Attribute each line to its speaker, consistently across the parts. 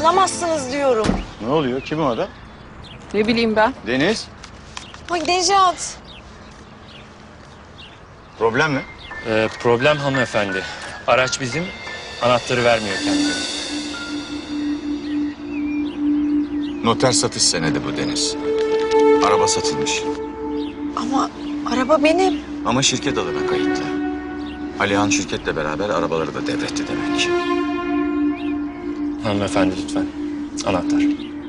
Speaker 1: Alamazsınız diyorum.
Speaker 2: Ne oluyor? Kim o adam?
Speaker 3: Ne bileyim ben.
Speaker 2: Deniz.
Speaker 1: Ay Necat.
Speaker 2: Problem ne?
Speaker 4: Problem hanımefendi. Araç bizim, anahtarı vermiyor kendine.
Speaker 2: Noter satış senedi bu Deniz. Araba satılmış.
Speaker 1: Ama araba benim.
Speaker 2: Ama şirket adına kayıtlı. Alihan şirketle beraber arabaları da devretti demek.
Speaker 4: Hanımefendi lütfen, anahtar.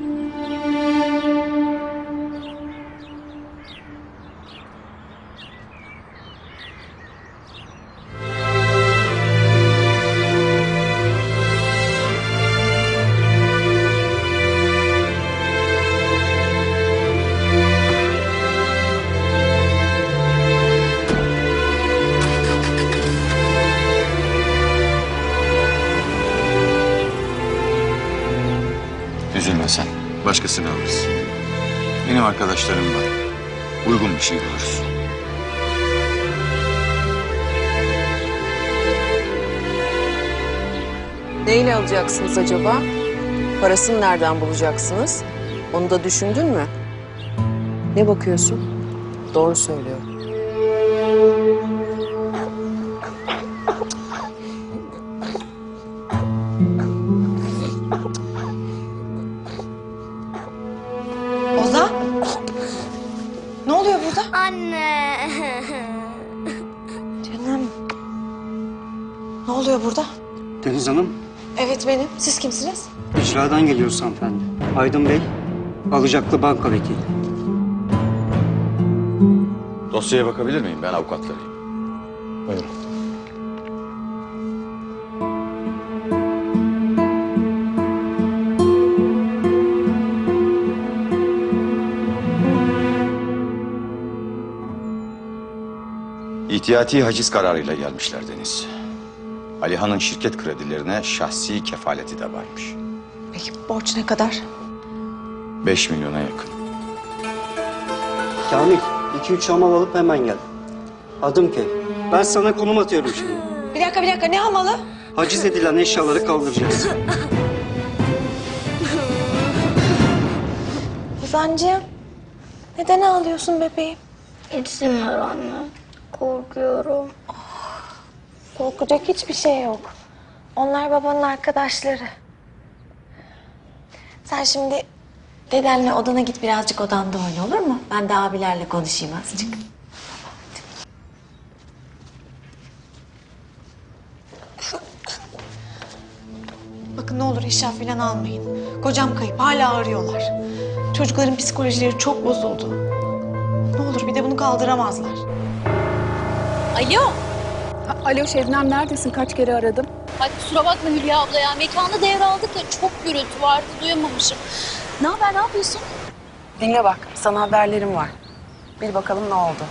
Speaker 2: Üzülme sen. Başkasını alırız. Benim arkadaşlarım var. Uygun bir şey buluruz.
Speaker 3: Neyle alacaksınız acaba? Parasını nereden bulacaksınız? Onu da düşündün mü? Ne bakıyorsun? Doğru söylüyor.
Speaker 1: Ozan. Ne oluyor burada?
Speaker 5: Anne.
Speaker 1: Canım. Ne oluyor burada?
Speaker 6: Deniz Hanım,
Speaker 1: Evet benim. Siz kimsiniz?
Speaker 6: icradan geliyoruz hanımefendi. Aydın Bey, alacaklı banka vekili.
Speaker 2: Dosyaya bakabilir miyim? Ben avukatlarıyım.
Speaker 4: Buyurun.
Speaker 2: İhtiyati haciz kararıyla gelmişler Deniz. Alihan'ın şirket kredilerine şahsi kefaleti de varmış.
Speaker 1: Peki borç ne kadar?
Speaker 2: 5 milyona yakın.
Speaker 6: Kamil, 2-3 hamal alıp hemen gel. Adım Kev. Ben sana konum atıyorum şimdi.
Speaker 1: Bir dakika. Ne hamalı?
Speaker 6: Haciz edilen eşyaları kaldıracağız.
Speaker 1: Ozancığım. Neden ağlıyorsun bebeğim?
Speaker 5: İzin ver anne. Korkuyorum.
Speaker 1: Korkacak hiçbir şey yok. Onlar babanın arkadaşları. Sen şimdi dedenle odana git, birazcık odanda oyna, olur mu? Ben de abilerle konuşayım azıcık. Bakın ne olur eşya falan almayın. Kocam kayıp, hala arıyorlar. Çocukların psikolojileri çok bozuldu. Ne olur bir de bunu kaldıramazlar.
Speaker 7: Alo.
Speaker 3: Alo Şebnem, neredesin? Kaç kere aradım.
Speaker 7: Ay kusura bakma Hülya abla ya. Mekanı devraldık da çok gürültü vardı. Duyamamışım. Ne haber, ne yapıyorsun?
Speaker 3: Dinle bak, sana haberlerim var. Bir bakalım ne oldu.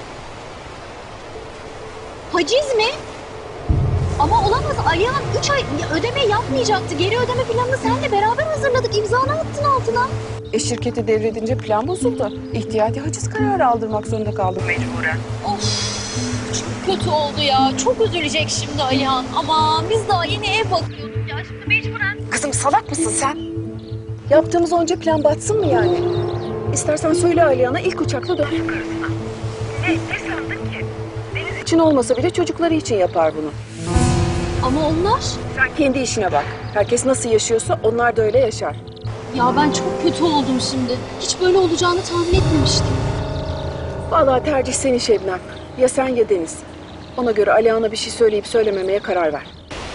Speaker 7: Haciz mi? Ama olamaz. Alihan 3 ay ödeme yapmayacaktı. Geri ödeme planını seninle beraber hazırladık. İmzanı attın altına.
Speaker 3: Şirketi devredince plan bozuldu. İhtiyati haciz kararı aldırmak zorunda kaldım mecburen.
Speaker 7: Of. Çok kötü oldu ya. Çok üzülecek şimdi Alihan. Ama biz daha yeni ev bakıyorduk ya. Şimdi mecburen.
Speaker 3: Kızım salak mısın sen? Yaptığımız onca plan batsın mı yani? İstersen söyle Alihan'a, ilk uçakla dönsün karısına. Ne sandın ki? Deniz için olmasa bile çocukları için yapar bunu.
Speaker 7: Ama onlar...
Speaker 3: Sen kendi işine bak. Herkes nasıl yaşıyorsa onlar da öyle yaşar.
Speaker 7: Ya ben çok kötü oldum şimdi. Hiç böyle olacağını tahmin etmemiştim.
Speaker 3: Vallahi tercih senin Şebnem. Ya sen ya Deniz. Ona göre Alihan'a bir şey söyleyip söylememeye karar ver.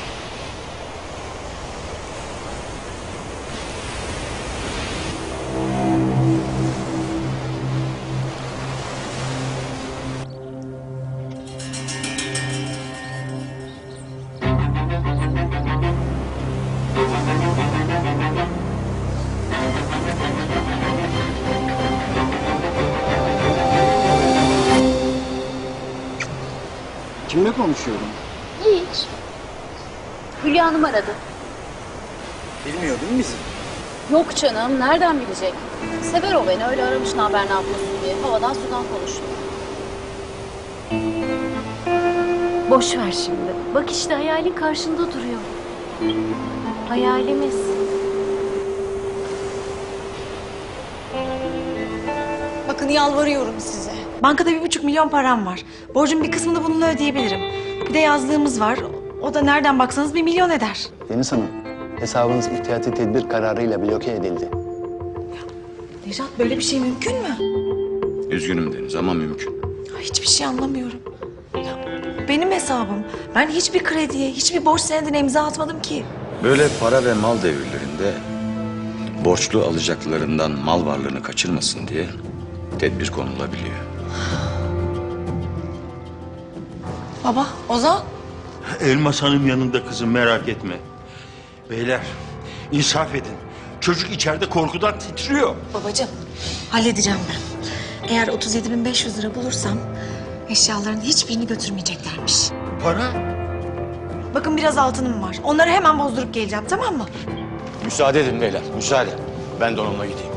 Speaker 6: Kimle konuşuyorum?
Speaker 7: Hiç. Hülya Hanım aradı.
Speaker 6: Bilmiyor değil mi bizi?
Speaker 7: Yok canım, nereden bilecek? Sever o beni, öyle aramış ne haber ne yapıyorsun diye. Havadan sudan konuştuk. Boş ver şimdi. Bak işte hayalin karşında duruyor. Hayalimiz.
Speaker 1: Bakın yalvarıyorum size. Bankada 1,5 milyon param var. Borcun bir kısmını bununla ödeyebilirim. Bir de yazlığımız var. O da nereden baksanız 1 milyon eder.
Speaker 8: Deniz Hanım, hesabınız ihtiyati tedbir kararıyla bloke edildi.
Speaker 1: Nejat böyle bir şey mümkün mü?
Speaker 2: Üzgünüm Deniz ama mümkün.
Speaker 1: Ay, hiçbir şey anlamıyorum. Ya, benim hesabım. Ben hiçbir krediye, hiçbir borç senedine imza atmadım ki.
Speaker 2: Böyle para ve mal devirlerinde borçlu alacaklarından mal varlığını kaçırmasın diye tedbir konulabiliyor.
Speaker 1: Baba, Ozan.
Speaker 9: Elmas Hanım yanında kızım, merak etme. Beyler, insaf edin. Çocuk içeride korkudan titriyor.
Speaker 1: Babacığım, halledeceğim ben. Eğer 37.500 lira bulursam eşyaların hiçbirini götürmeyeceklermiş.
Speaker 9: Para?
Speaker 1: Bakın biraz altınım var. Onları hemen bozdurup geleceğim, tamam mı?
Speaker 2: Müsaade edin beyler, müsaade. Ben de onunla gideyim.